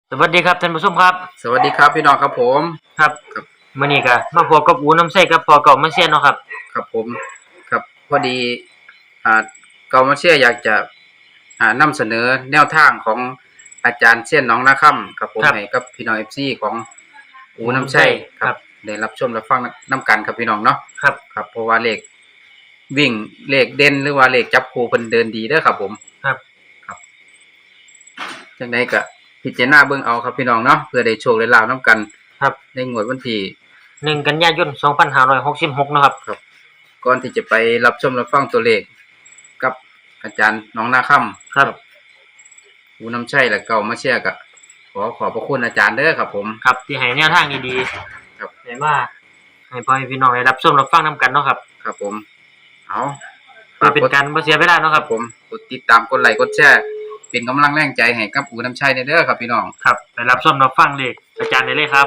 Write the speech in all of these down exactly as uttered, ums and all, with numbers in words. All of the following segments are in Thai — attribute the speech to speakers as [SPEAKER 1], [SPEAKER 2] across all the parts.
[SPEAKER 1] สวัสดีครับท่านผู้ชมครับ
[SPEAKER 2] สวัสดีครับพี่น้องครับผม
[SPEAKER 1] ครับ
[SPEAKER 2] ครับ
[SPEAKER 1] มื้อนี้ก็มาพบกับอูน้ำใสกับพ่อเก่ามาเซียนเนาะครับ
[SPEAKER 2] ครับผมครับพอดีอ่าเกามาเชียอยากจะอ่านำเสนอแนวทางของอาจารย์เซียนหนองนาค่ำครับผมให้กับพี่น้อง เอฟ ซี ของอูน้ำใช่ครับได้รับชมรับฟังนํกันครับพี่น้องเนาะ
[SPEAKER 1] ครับ
[SPEAKER 2] ครับเพราะว่าเลขวิ่งเลขเด่นหรือว่าเลขจับคู่เพิ่นเดินดีเด้อครับผม
[SPEAKER 1] ครับ
[SPEAKER 2] ครับจังได๋ก็พิจารณาเบิ่งเอาครับพี่น้องเนาะเพื่อได้โชคได้ลาภนํกัน
[SPEAKER 1] ครับ
[SPEAKER 2] ในงวดวันที่
[SPEAKER 1] หนึ่งกันยายนสองพันห้าร้อยหกสิบหกเนาะครับ
[SPEAKER 2] ครับก่อนที่จะไปรับชมรับฟังตัวเลขกับอาจารย์น้องนาค่ำ
[SPEAKER 1] ครับ
[SPEAKER 2] อูน้ำชัยและเก่ามาเชียร์ก็ขอขอบพระคุณอาจารย์เด้อครับผม
[SPEAKER 1] ครับที่ให้แนวทางดีๆครับให้มาให้พ่อให้พี่น้องได้รับชมรับฟังนํกันเนาะครับ
[SPEAKER 2] ครับผมเอา
[SPEAKER 1] เพื่อเป็นการบ่เสียเวลาเนาะครับ
[SPEAKER 2] ผมกดติดตามกดไลค์กดแชร์เป็นกำลังแรงใจให้กับอูน้ำชัยเด้อครับพี่น้อง
[SPEAKER 1] ครับไปรับชมรับฟังเลขอาจารย์ได้เลยครับ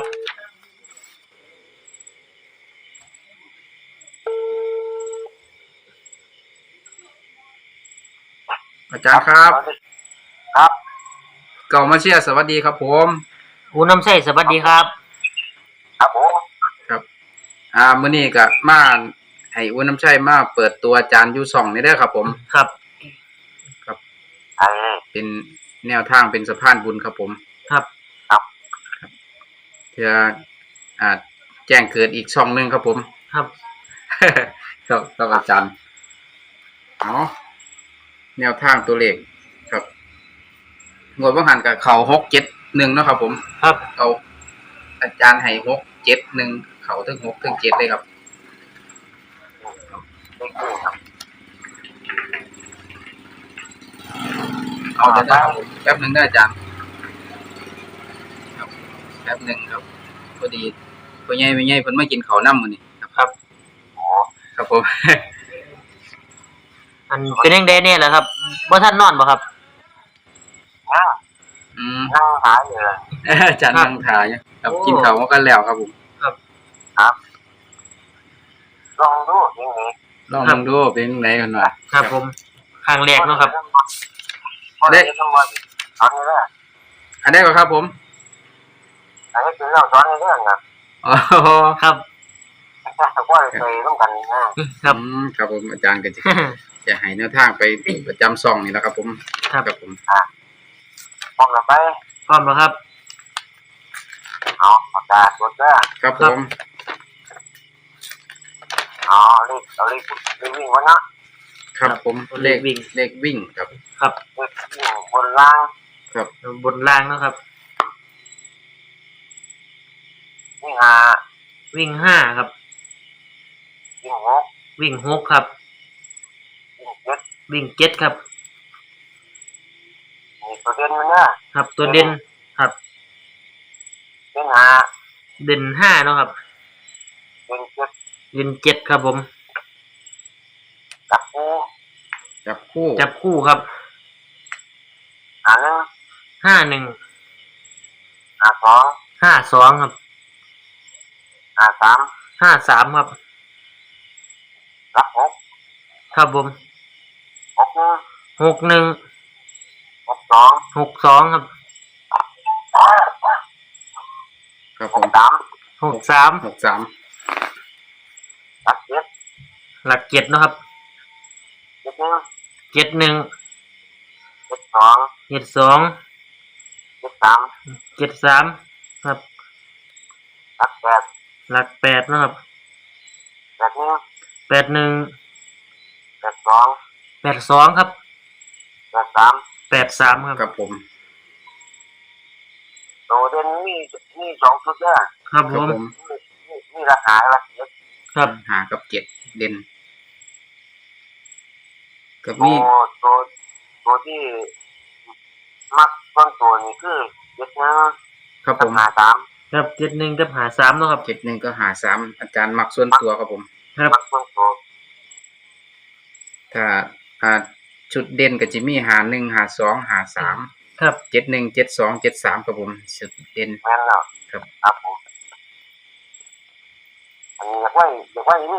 [SPEAKER 2] อาจารย์ครับครับเก่ามาเชียร์สวัสดีครับผม
[SPEAKER 1] อูน้ำใสสวัสดีครับ
[SPEAKER 2] ครับผมครับอ่ามื้อนี้ก็มาให้อูน้ำชัยมาเปิดตัวอาจารย์อยู่ช่องนี่เด้อครับผม
[SPEAKER 1] ครับ
[SPEAKER 2] ครับเป็นแนวทางเป็นสะพานบุญครับผม
[SPEAKER 1] ครับ
[SPEAKER 2] ครับเพื่ออ่าแจ้งเกิดอีกช่องนึงครับผม
[SPEAKER 1] ครับ
[SPEAKER 2] ครับครับอาจารย์อ๋อแนวทางตัวเลขครับงวดว่าหันกับเขาหกเจ็ดหนึ่งเนาะครับผม
[SPEAKER 1] ครับ
[SPEAKER 2] เอาอาจารย์ให้หกเจ็ดหนึ่งเขาถึงหกถึงเจ็ดเลยครับเอาจะได้แป๊บหนึ่งได้อาจารย์ครับแป๊บหนึ่งครับพอดีพ่อใหญ่แม่ใหญ่เพิ่นมากินข้าวน้ำมื้อนี้ครับครับผม
[SPEAKER 1] อันเป็นจังได๋แน่ล่ะครับบ่ทันนอนบ่ครับ
[SPEAKER 2] อืมนั่งถ่ายอยู่เลยอาจารย์นั่งถ่ายครับกินข้าวมากันแล้วครับผม
[SPEAKER 1] ครับ
[SPEAKER 2] ครับลองดูยังไงลองดูเป็นจังไดกันว่า
[SPEAKER 1] ครับผมครั้งแรกเนาะครับ
[SPEAKER 2] ได้อันนี้แหละอันนี้ก็ครับผมอันนี้คือเราสอนในเรื่องครับอ๋อ
[SPEAKER 1] ครับ
[SPEAKER 2] ว่าเคยต้องกันนะครับครับผมอาจารย์ก็จะจะให้แนวทางไปประจำซองนี่แหละครับผมครับผมพร้อมแล้วไป
[SPEAKER 1] พร้อมแล้วครับ
[SPEAKER 2] เอาปากกาตัวเด้อครับผมอ๋อเลขเอาเลขเลขวิ่งวะนะครับผมเลขวิ่งเลขวิ่งครับ
[SPEAKER 1] ครับ
[SPEAKER 2] เลขวิ่งบนล่างครับ
[SPEAKER 1] บนล่างนะครับ
[SPEAKER 2] วิ่งห้า
[SPEAKER 1] วิ่งห้าครับ
[SPEAKER 2] วิ่งหก
[SPEAKER 1] วิ่งหกครับ
[SPEAKER 2] วิ่งเจ็ด
[SPEAKER 1] วิ่งเจ็ดครับ
[SPEAKER 2] มีตัวเด่นมันเนี่ย
[SPEAKER 1] ครับตัวเด่นครับ
[SPEAKER 2] เด่นห้า
[SPEAKER 1] เด่นห้าเนาะครับ
[SPEAKER 2] เด่นเจ็ด
[SPEAKER 1] เด่นเจ็ดครับผม
[SPEAKER 2] จับคู่จับคู่
[SPEAKER 1] จับคู่ครับ
[SPEAKER 2] ห้าหนึ่ง
[SPEAKER 1] ห้าหนึ่ง
[SPEAKER 2] ห้าสอง
[SPEAKER 1] ห้าสองครับ
[SPEAKER 2] ห้าสาม
[SPEAKER 1] ห้าสามครับ
[SPEAKER 2] รับหก
[SPEAKER 1] ครับผม
[SPEAKER 2] หกหนึ่ง
[SPEAKER 1] หกหนึ่ง
[SPEAKER 2] หกสอง
[SPEAKER 1] หกสองครับ
[SPEAKER 2] ครับผมสาม
[SPEAKER 1] หกสาม
[SPEAKER 2] หกสามหลักเจ็ด
[SPEAKER 1] หลักเจ็ดนะครับ
[SPEAKER 2] เจ็ดหนึ่ง
[SPEAKER 1] เจ็ดหนึ่ง
[SPEAKER 2] เจ็ดสอง
[SPEAKER 1] เจ็ดสอง
[SPEAKER 2] เจ็ดสาม
[SPEAKER 1] เจ็ดสามครับ
[SPEAKER 2] หลักแปด
[SPEAKER 1] หลักแปดนะครับ
[SPEAKER 2] แปดหนึ่ง
[SPEAKER 1] แปดหนึ่ง
[SPEAKER 2] แปดสอง
[SPEAKER 1] แปดสองครับ
[SPEAKER 2] แปดสาม
[SPEAKER 1] แปดสามครับ
[SPEAKER 2] ครับผมโตเด่นมีมีสองชุดเนี่ย
[SPEAKER 1] ครับผม
[SPEAKER 2] มีมีราคาละเจ็ด
[SPEAKER 1] ครับ
[SPEAKER 2] หากับเจ็ดเด่นกับมีตัวตัวที่มักต้นตัวนี้คือเจ็ดหนึ่งครับผมหาสาม
[SPEAKER 1] ครับเจ็ดหนึ่งกับหาสามเนาะครับ
[SPEAKER 2] เจ็ดหนึ่งก็หาสามอาจารย์มักส่วนตัวครับผม
[SPEAKER 1] ครับ
[SPEAKER 2] มักส่วนตัวถ้าอ่าชุดเด่นก็จะมีหาหนึ่งหาสองหาสาม
[SPEAKER 1] ครับ
[SPEAKER 2] เจ็ดหนึ่งเจ็ดสองเจ็ดสามครับผมชุดเด่น
[SPEAKER 3] แม่นแล้ว
[SPEAKER 2] ครับ
[SPEAKER 3] ครับผมอันนี้อยากไว้อยากไว้นี่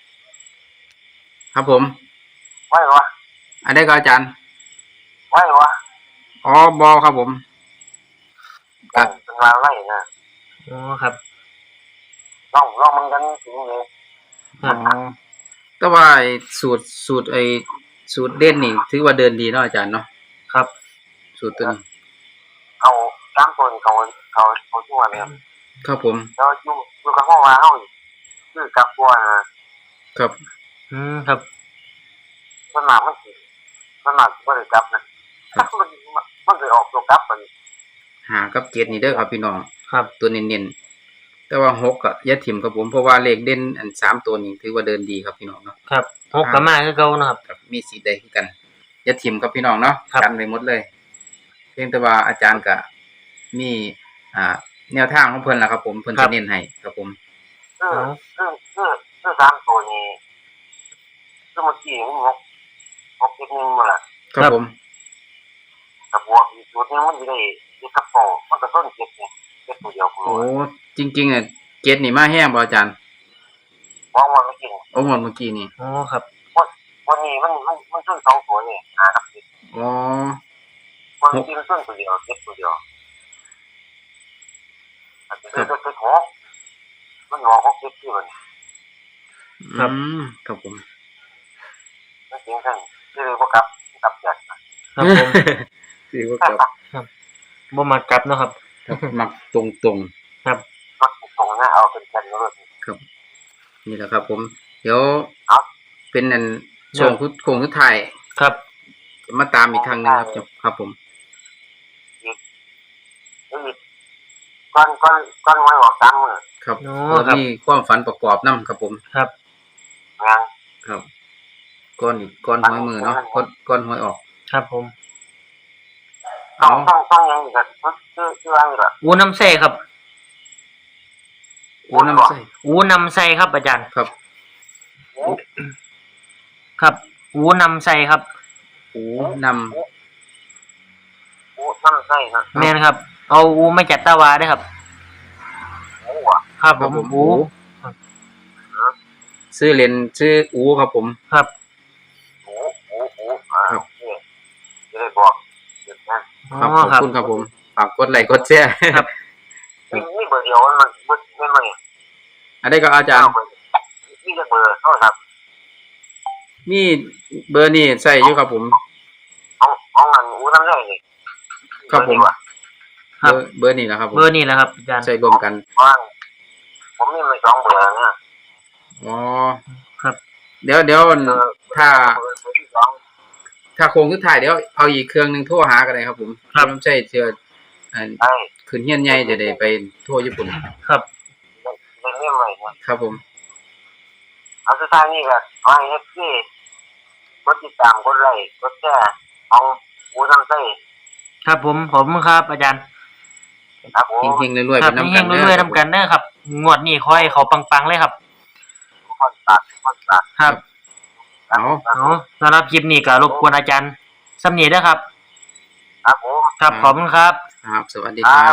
[SPEAKER 2] ครับผม
[SPEAKER 3] ไว้วะ
[SPEAKER 2] อันนี้ก็อาจารย์
[SPEAKER 3] ไว้วะ
[SPEAKER 2] อ๋อบอครับผมครับ
[SPEAKER 3] เป็นมาไล่นะ
[SPEAKER 1] อ๋อครับ
[SPEAKER 3] ลองลองมันกันถึงเลย
[SPEAKER 1] ครับ
[SPEAKER 2] อ๋อแต่ว่าไอ้สูตรสูตรไอ้สูตรเด่นนี่ถือว่าเดินดีเนาะอาจารย์เนาะ
[SPEAKER 1] ครับ
[SPEAKER 2] สูตรตัวนี้
[SPEAKER 3] เขาตามตัวเขาเขาเขาชั่วเนี่ย
[SPEAKER 2] ครับผม
[SPEAKER 3] แล้วอยู่อยู่กับห้องว่าเขาคือกับบัวนะครับ
[SPEAKER 1] อืมครับ
[SPEAKER 3] มันมามันสิมันมาบ่ได้กลับนะมันมันเลยออกตัวกลับมัน
[SPEAKER 2] หากับเจ็ดนี่เด้อครับพี่น้อง
[SPEAKER 1] ครับ
[SPEAKER 2] ตัวเน้นๆแต่ว่าหกก็อย่าถิ่มครับผมเพราะว่าเลขเด่นอันสามตัวนี้ถือว่าเดินดีครับพี่น้องเนาะ
[SPEAKER 1] ครับหกกับมาคือเก่านะครับ
[SPEAKER 2] ครับมีสีใดคือกันอย่าถิ่มครับพี่น้องเนาะ
[SPEAKER 1] ครับ
[SPEAKER 2] กันไปหมดเลย เพียงแต่ว่าอาจารย์ก็มีอ่าแนวทางของเพิ่นล่ะครับผมเพิ่นจะเน้นให้ครับผม
[SPEAKER 3] คือคือคือคือตามตัวนี้คือเมื่อกี้มันงกงกนิดนึงมาละ
[SPEAKER 2] ครับผม
[SPEAKER 3] กับบวกอีกตัวนึงมันจะได้เจ็ดกับโปมันก็ต้นเจ็ดเนี่ยเจ็ดตัวเดียวคุณ
[SPEAKER 2] โอ้จริงๆอ่ะเจ็ดนี่มาแห้งบ่อาจารย์
[SPEAKER 3] มองว่าไม่จริง
[SPEAKER 2] โอ้หมดเมื่อกี้นี่
[SPEAKER 1] อ๋อครับ
[SPEAKER 3] วันนี้มันมันมันต้นสองตัวเนี่ยหากับเจ็ด
[SPEAKER 2] อ๋อ
[SPEAKER 3] วันนี้มันต้นตัวเดียวเจ็ดตัวเดียวอาจจะเป็นตัวหกมันหงอกหกเจ็ดที่มัน
[SPEAKER 1] ครับ
[SPEAKER 2] อืมครับผม
[SPEAKER 3] ไม่จริงท่านที่เลยพวกกับกับแจกนะครับ
[SPEAKER 1] ผม
[SPEAKER 2] คือว่าครับ
[SPEAKER 1] บ่มากลับเนาะครับ
[SPEAKER 2] ครับมักตรงๆ
[SPEAKER 1] ครับ
[SPEAKER 3] มักตรงนะเอาเป็นกันเลย
[SPEAKER 2] ครับนี่แหละครับ ผม เดี๋ยว
[SPEAKER 3] ครับ
[SPEAKER 2] เป็นอันช่วงคุดโค้งสุดท้าย
[SPEAKER 1] ครับ
[SPEAKER 2] จะมาตามอีกครั้งหนึงครับจะครับผม
[SPEAKER 3] อีกก้อนก้อนก้อนไว้ออกตามมือ
[SPEAKER 2] ครับ
[SPEAKER 1] อ๋อ
[SPEAKER 2] แล้ว
[SPEAKER 1] ครับ
[SPEAKER 2] มีความฝันประกอบนํครับผม
[SPEAKER 1] ครับ
[SPEAKER 3] งาน
[SPEAKER 2] ครับก้อนอีกก้อนหวยมือเนาะก้อนก้อนหวยออก
[SPEAKER 1] ครับผม
[SPEAKER 3] ต้อ
[SPEAKER 2] เอา
[SPEAKER 3] งต้องต้องยังอีกชื่อชื่ออะไรล่ะ
[SPEAKER 1] อูน้ำใส่ครับ
[SPEAKER 2] โอ้น้ำใส่
[SPEAKER 1] อูน้ำใส่ครับอาจารย์
[SPEAKER 2] ครับ
[SPEAKER 1] ครับ อูน้ำใส่ครับ
[SPEAKER 2] โอ้น
[SPEAKER 3] โอ้น้ำใส่นะ
[SPEAKER 1] แม่นครับ เอาอูมาจากตะวาได้ครับ
[SPEAKER 3] โอ้อะ
[SPEAKER 1] ครับ
[SPEAKER 2] ำ
[SPEAKER 1] ผ
[SPEAKER 2] ครับ
[SPEAKER 1] ม
[SPEAKER 2] ผม
[SPEAKER 1] อู
[SPEAKER 2] โอ้ชื่อเล่นชื่ออูครับผม
[SPEAKER 1] ครับ
[SPEAKER 3] โอ้โอ้โอ้อ่านี่จะได้บอกเดี๋ยวนะ
[SPEAKER 1] อ๋
[SPEAKER 2] ครับ
[SPEAKER 1] อ
[SPEAKER 2] ขอบ
[SPEAKER 1] ครับ
[SPEAKER 2] คุณครับผมฝากกดไลค์กดแชร์
[SPEAKER 1] ครับ
[SPEAKER 3] นี่นี่เบอร์เดียวมันเบอร์ไม่ไม่
[SPEAKER 2] อันนี้ก็อาจารย์
[SPEAKER 3] เบอร์นี่จะเบอร์เท่าครับ
[SPEAKER 2] มีเบอร์นี่ใส่อยู่ครับผม
[SPEAKER 3] ห้องห้องมันอู้น้ำใส่เลย
[SPEAKER 2] ครับผม
[SPEAKER 1] ครั
[SPEAKER 2] เบบ อร์เบอร์นี่นะครับผม
[SPEAKER 1] เบอร์นี่แหละครับอาจารย์
[SPEAKER 2] ใส่รวมกัน
[SPEAKER 3] ว่างผมมีมาสองเบอร์เนี่ย
[SPEAKER 2] อ๋อ
[SPEAKER 1] ครับ
[SPEAKER 2] เดี๋ยวเดี๋ยว
[SPEAKER 3] เบอร์
[SPEAKER 2] ถ้า
[SPEAKER 3] เบอร์ที่สอง
[SPEAKER 2] ถ้าโครงสุดท้ายเดี๋ยวเอาอีกเครื่องหนึงโทรหากันเลยครับผม
[SPEAKER 1] ครับ
[SPEAKER 2] ไม่ใช่เชื่ออัน
[SPEAKER 3] ไอ้
[SPEAKER 2] ขึ้นเฮียนใหญ่จะได้ไปทั่วญี่ปุ่น
[SPEAKER 1] ครับ
[SPEAKER 3] เรื่องนี้ใหม่เนี่ย
[SPEAKER 2] ครับผม
[SPEAKER 3] เอาสุดท้ายนี่ก็ขอให้เอฟซีกดติดตามกดไลค์กดแชร์เอาอู้น้ำใส่
[SPEAKER 1] ครับผมผมครับอาจารย์
[SPEAKER 3] ครับผม
[SPEAKER 2] เฮงๆรวยๆ
[SPEAKER 1] ค
[SPEAKER 2] ไป
[SPEAKER 1] รับ
[SPEAKER 2] น้ำ
[SPEAKER 1] เฮ
[SPEAKER 2] กัน
[SPEAKER 1] ง
[SPEAKER 2] เด้
[SPEAKER 1] ๆรวย
[SPEAKER 2] อ
[SPEAKER 1] ๆนำกันเด้อครับ งวดนี้ขอให้เขาปังๆเลยครับ
[SPEAKER 3] คอนตัดคอนตัด
[SPEAKER 1] ครับ
[SPEAKER 2] เอา
[SPEAKER 1] เอาสำหรับคลิปนี้ก็รบกวนอาจารย์สำเนียงด้วยครับ
[SPEAKER 3] ครับผม
[SPEAKER 1] ครับขอบคุณครับ
[SPEAKER 2] ครับ สวัสดีครับ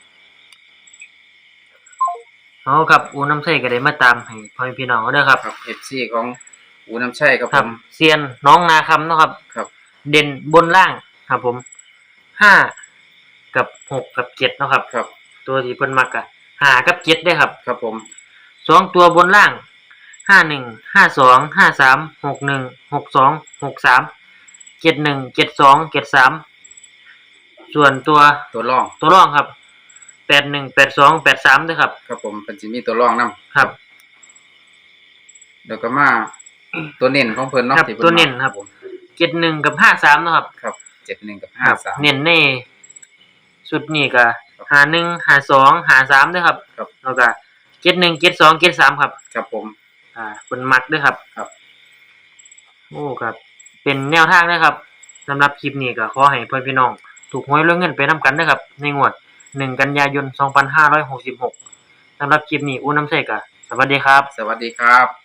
[SPEAKER 1] เอาครับอูน้ำใส่ก็ได้มาตามให้พ่อแม่พี่น้องเด้อครับ
[SPEAKER 2] ครับ เอฟ ซี ของอูน้ำชัยครับ
[SPEAKER 1] ค
[SPEAKER 2] ผ
[SPEAKER 1] รับ
[SPEAKER 2] ม
[SPEAKER 1] เซียนน้องนาคำเนาะครับ
[SPEAKER 2] ครับ
[SPEAKER 1] เด่นบนล่างครับผมห้ากับหกกับเจ็ดเนาะครับ
[SPEAKER 2] ครับ
[SPEAKER 1] ตัวที่เพิ่นมักอะห้ากับเจ็ดได้ครับ
[SPEAKER 2] ครับผม
[SPEAKER 1] สองตัวบนล่างห้าหนึ่งห้าสองห้าสามหกหนึ่งหกสองหกสามเจ็ดหนึ่งเจ็ดสองเจ็ดสามส่วนตัว
[SPEAKER 2] ตัวรอง
[SPEAKER 1] ตัวรองครับแปดหนึ่งแปดสองแปดสามด้วยครับ
[SPEAKER 2] ครับผมเป็นสิมีตัวรองนํ
[SPEAKER 1] ครับ
[SPEAKER 2] แล้วก็มาตัวเน้นของเพิ่นเนาะ
[SPEAKER 1] ครับ
[SPEAKER 2] ที่พิ่
[SPEAKER 1] ตัวเน้น
[SPEAKER 2] มา
[SPEAKER 1] ครับเจ็ดหนึ่งกับห้าสามเนาะครับ
[SPEAKER 2] ครับเจ็ดหนึ่งกับ
[SPEAKER 1] ค
[SPEAKER 2] ห้า
[SPEAKER 1] รับ
[SPEAKER 2] สาม
[SPEAKER 1] เน้นในชุดนี้ก็หาหนึ่งหาสองหาสามด้วยครับ
[SPEAKER 2] ครับ
[SPEAKER 1] แล้วก็เจ็ดหนึ่งเจ็ดสองเจ็ดสามครับ
[SPEAKER 2] ครับผม
[SPEAKER 1] อ่าเป็นมัดด้วยครับ
[SPEAKER 2] ครับ
[SPEAKER 1] โอ้ครับ เป็นแนวทางนะครับสำหรับคลิปนี้ก็ขอให้เพื่อนพี่น้อง ถูกหวยเรื่องเงินไปนำกันนะครับ ในงวดหนึ่งกันยายนสองพันห้าร้อยหกสิบหกสำหรับคลิปนี้อู้น้ำใส่กะสวัสดีครับ
[SPEAKER 2] สวัสดีครับ